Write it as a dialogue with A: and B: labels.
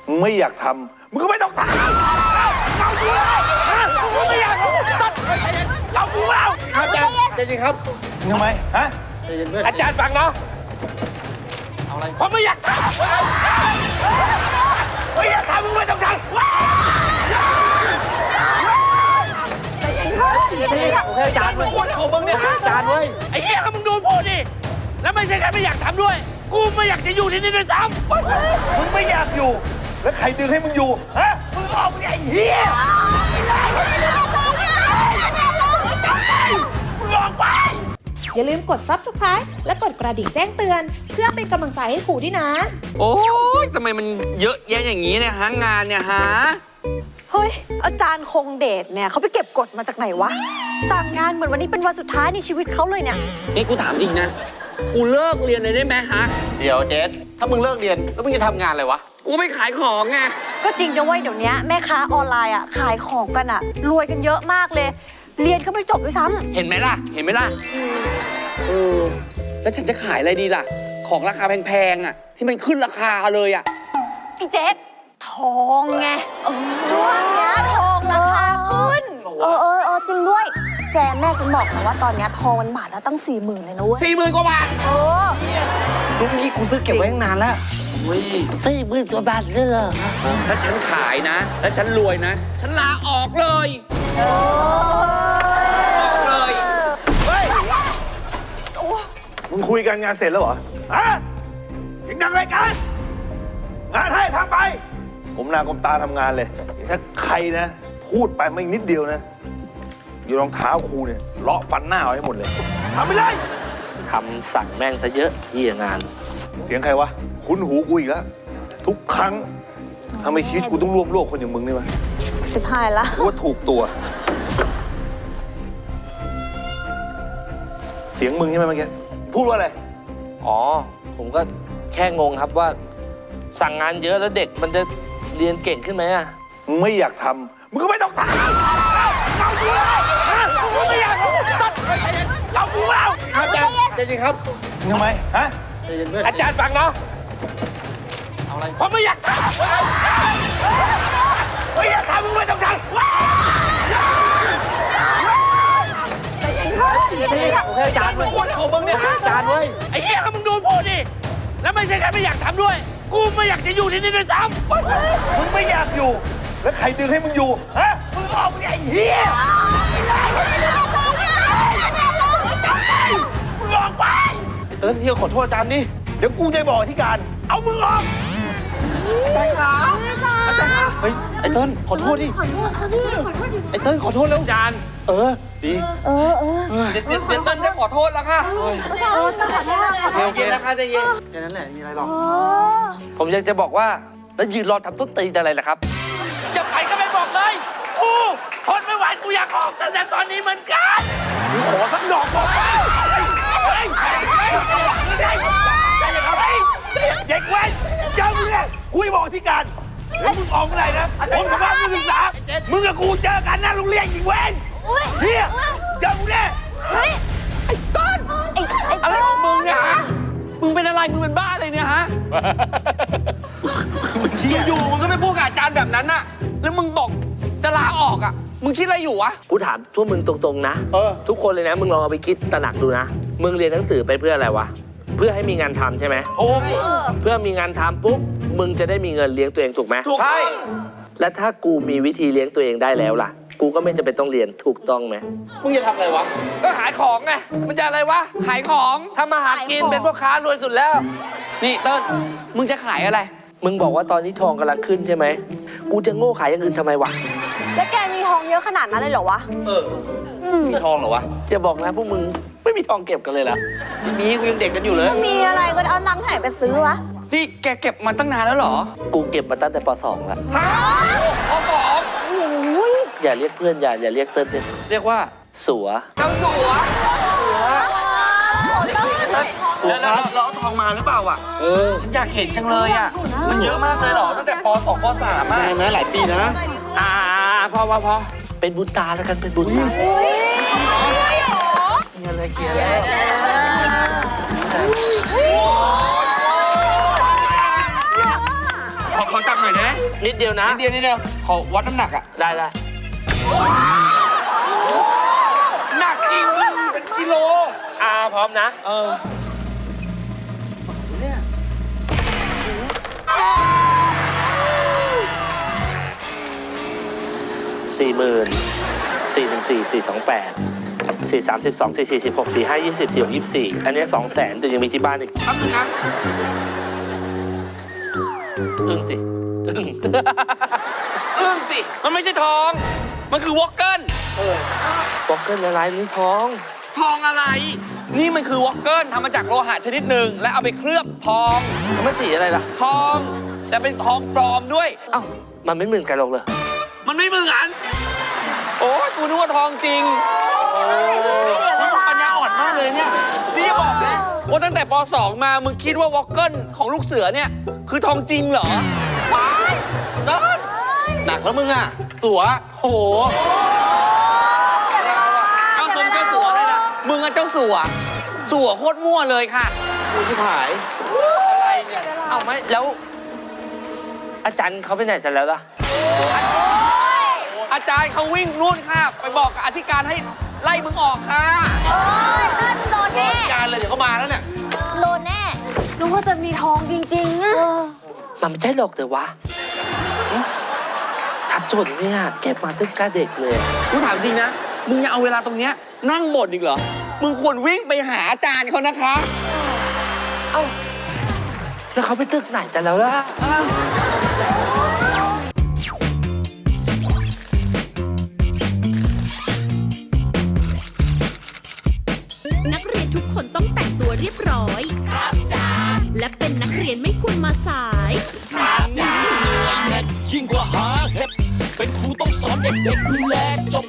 A: มึงไม่อยากทำมึงก็ไม่ต้องทำเอากูเลยมึงไม่อยากเอากูเอาอาจารย์ใจเย็นครับทำไมฮะอาจารย์ฟังเนาะเอาอะไรผมไม่อยากทำไม่อยากทำมึงไม่ต้องทำโอเคจานเว้ยเอามึงเนี่ยจานเว้ยไอ้เหี้ยก็มึงโดนพูดดิแล้วไม่ใช่แค่ไม่อยากทำด้วยกูไม่อยากจะอยู่ที่นี่ด้วยซ้ำมึงไม่อยากอยู่แล้วใครดึงให้มึงอยู่ฮะมึงออกไปไอ้เหี้ยมึงออกไป
B: อย่าลืมกด Subscribe และกดกระดิ่งแจ้งเตือนเพื่อเป็นกำลังใจให้ครูด้วยนะ
C: โอ้ยทำไมมันเยอะแยะอย่างนี้เนี่ยฮะงานเนี่ยฮะ
D: เฮ้ยอาจารย์คงเดชเนี่ยเขาไปเก็บกฎมาจากไหนวะสั่งงานเหมือนวันนี้เป็นวันสุดท้ายในชีวิตเขาเลยเนี่ย
C: นี่กูถามจริงนะกูเลิกเรียนเลยได้ไหมฮะ
E: เดี๋ยวเจสถ้ามึงเลิกเรียนแล้วมึงจะทำงานอะไรวะ
C: กูไม่ขายของไง
D: ก็จริงนะเว้ยเดี๋ยวนี้แม่ค้าออนไลน์อ่ะขายของกันอ่ะรวยกันเยอะมากเลยเรียนก็ไม่จบด้วยซ้ำ
C: เห็นไหมล่ะแล้วฉันจะขายอะไรดีล่ะของราคาแพงๆอ่ะที่มันขึ้นราคาเลยอ่ะ
D: พี่เจสทองไงช่วงนี้ทองราคาขึ้น
F: จริงด้วยแฟนแม่ฉันบอกนะว่าตอนนี้ทองมันบาทละตั้ง40,000เลยนะเว้ย
C: 40,000 กว่าบาท
E: ลูกนี้กูซื้อเก็บไว้ตั้งนานแล้ว
F: 40,000 กว่าบาทเลยเหรอ
C: ถ้าฉันขายนะแล้วฉันรวยนะฉันลาออกเลย
A: เฮ้ยมึงคุยกันงานเสร็จแล้วเหรอฮะยังดังอะไรกันงานให้ทำไปผมหน้าก้มตาทำงานเลยถ้าใครนะพูดไปไม่นิดเดียวนะอยู่รองเท้าครูเนี่ยเลาะฟันหน้าเอาให้หมดเลยทำไปเลย
E: ทำสั่งแม่งซะเยอะที่งาน
A: เสียงใครวะคุ้นหูกูอีกแล้วทุกครั้งทำไมชีวิตกูต้องร่วมโลกคนอย่างมึงนี่วะ
F: 15ละ
A: กูว่าถูกตัวเสียงมึงใช่ไหมเมื่อกี้พูดว่าอะไร
E: อ๋อผมก็แค่งงครับว่าสั่งงานเยอะแล้วเด็กมันจะเรียนเก่งขึ้นไหมอ่ะ
A: มึงไม่อยากทำมึงก็ไม่ต้องทำเอากูเลยมึงไม่อยากเอากูเอาอาจารย์ใจเย็นครับทำไมฮะอาจารย์ฟังเนาะเอาอะไรผมไม่อยากทำไม่อยากทำมึงไม่ต้องทำโอเคจานเว้ยเอามึงเนี่ยจานเว้ยไอ้เหี้ยก็มึงโดนพูดดิแล้วไม่ใช่แค่ไม่อยากทำด้วยกูไม่อยากจะอยู่ที่นี่ด้วยซ้ำมึงไม่อยากอยู่แล้วใครดึงให้มึงอยู่ฮะมึงออกไปไอ้เหี้ยมึงออกไป
E: เติ้ลที่ขอโทษอาจารย์นี่
A: เดี๋ยวกูจะบอกที่การเอามึงออก
E: อาจารย์ครับอาจารย์ครับเฮ้ยไอ้เติ้ลขอโทษดิ
F: ขอโทษเขาดิ
E: ไอ้เติ้ลขอโทษแล้ว
C: อาจารย์
E: ดี
C: เดี๋ยวเติ้ลจะขอโทษแล้วค่ะ
F: ต้องขอโทษ
C: เย็นนะคะใจเย็น
E: แค่นั้นแหละมีอะไรหรอก
C: ผมอยากจะบอกว่าแล้วยืนรอทำต้นตีอะไรล่ะครับจะไปก็ไม่บอกเลยกูทนไม่ไหวกูอยากออกตั้งแต่ตอนนี้เหมือนกันขอสักดอกบอกเด็กเว้นเจ้าเนี่ยคุยบอกที่การแล้วมึงออกเมื่อไหร่นะผมกับบ้านมึงศึกษามึงกับกูเจอกันหน้าโรงเรียนอีกเว้นเฮียเจ้าเนี่ย
F: ไอ้ต้น
C: อะไรของมึงเนี่ยฮะมึงเป็นอะไรมึงเป็นบ้าอะไรเนี่ยฮะอยู่ๆมึงก็ไม่พูดกับอาจารย์แบบนั้นน่ะแล้วมึงบอกจะลาออกอ่ะมึงคิดอะไรอยู่วะ
E: กูถามทั่วมึงตรงๆนะทุกคนเลยนะมึงลองเอาไปคิดตระหนักดูนะมึงเรียนหนังสือไปเพื่ออะไรวะเพื่อให้มีงานทำใช่ไหมเพื่อมีงานทำปุ๊บมึงจะได้มีเงินเลี้ยงตัวเองถูกไหม
C: ใช่
E: และถ้ากูมีวิธีเลี้ยงตัวเองได้แล้วล่ะกูก็ไม่จำเป็นต้องเรียนถูกต้องไหม
C: มึงจะทำอะไรวะก็ขายของไงมันจะอะไรวะขายของทำมาหากินเป็นพ่อค้ารวยสุดแล้วนี่เติ้ลมึงจะขายอะไร
E: มึงบอกว่าตอนนี้ทองกำลังขึ้นใช่ไหมกูจะโง่ขายอย่างอื่นทำไมวะ
D: แล้วแกมีทองเยอะขนาดนั้นเลยเหรอวะ
C: มีทองเหรอวะ
E: จะบอกนะพวกมึงไม่มีทองเก็บกันเลยล่ะ
C: มีกูยังเด็กกันอยู่เลย
D: มีอะไรก็เอาตังค์ไหนไปซื้อวะ
C: นี่แกเก็บมาตั้งนานแล้วเหรอ
E: กูเก็บมาตั้งแต่ป .2 แล้ว
C: ป .2
E: อย่าเรียกเพื่อนอย่าเรียกเติ้ล
C: เรียกว่า
E: สัว
C: เจ้าสัวแล้วเราเอาทองมาหรือเปล่าอ่ะฉันอยากเห็นจังเลยอ่ะมันเยอะมากเลยเหรอตั้งแต่ป .2 ป .3 อ่ะ
E: นะหลายปีนะพอเป็นบุญตาแล้วกันเป็นบุญตาเคลียร์เลย
C: ข
G: อจับหน่อยนะ
E: นิดเดียวนะ
G: นิดเดียวขอวัดน้ำหนักอ่ะ
E: ได้
G: หนักจริงเป็นกิโล
E: พร้อมนะ 40,000 414 428 432 446 454 อันนี้ 200,000 แต่ยังมีที่บ้านอีก
G: แป๊บนึงนะ
E: อึ้งสิ
G: อึ้งสิ มันไม่ใช่ทอง มันคือวอกเกิล
E: บอกเกินละลายนี่ท้อง
G: ทองอะไร นี่มันคือวอกเกิลทำมาจากโลหะชนิดหนึ่งและเอาไปเคลือบทอง
E: มันสีอะไรล่ะ
G: ทอง แต่เป็นทองปลอมด้วย
E: เอ้า มันไม่เหมือนกันหรอกเลย
G: มันไม่เหมือนโอ้ยกูนึกว่าทองจริงนี่ปัญญาอ่อนมากเลยเนี่ยนี่บอกนะว่าตั้งแต่ป .2 มามึงคิดว่าวอกเกิลของลูกเสือเนี่ยคือทองจริงเหรอว้ายเดินหนักแล้วมึงอ่ะ สัวโหเจ้าสมเจ้าสัวเลยล่ะมึงอะเจ้าสัวโคตรมั่วเลยค่ะกูที่ผายอะไรเนี่ย
E: เอ้าไม่แล้ว อาจารย์เขาไปไหนกันแล้วล่ะ
G: อาจารย์เขาวิ่งนู่นค่ะ ไปบอกกับอธิการให้ไล่มึงออกค่ะ
F: โอ้ยเต้นโดนแน่
G: การเลยเดี๋ยวเขามาแล้วเนี่ย
F: โดนแน่
D: นึกว่าจะมีทองจริงๆอะ
E: มันไม่ใช่หรอกแต่วะทับจนเนี่ยเก็บมาตั้งแต่เด็กเลย
G: กูถามจริงนะ มึงยังเอาเวลาตรงเนี้ยนั่งบ่นอีกเหรอ มึงควรวิ่งไปหาอาจารย์เขานะคะ
E: แล้วเขาไปตึกไหนกันแล้วล่ะ
H: นักเรียนทุกคนต้องแต่งตัวเรียบร้อย ครับจ้าและเป็นนักเรียนไม่ควรมาสาย
I: ยิ่งกว่าหาเห็ดเป็นครูต้องสอนเด็กๆดูแลจบ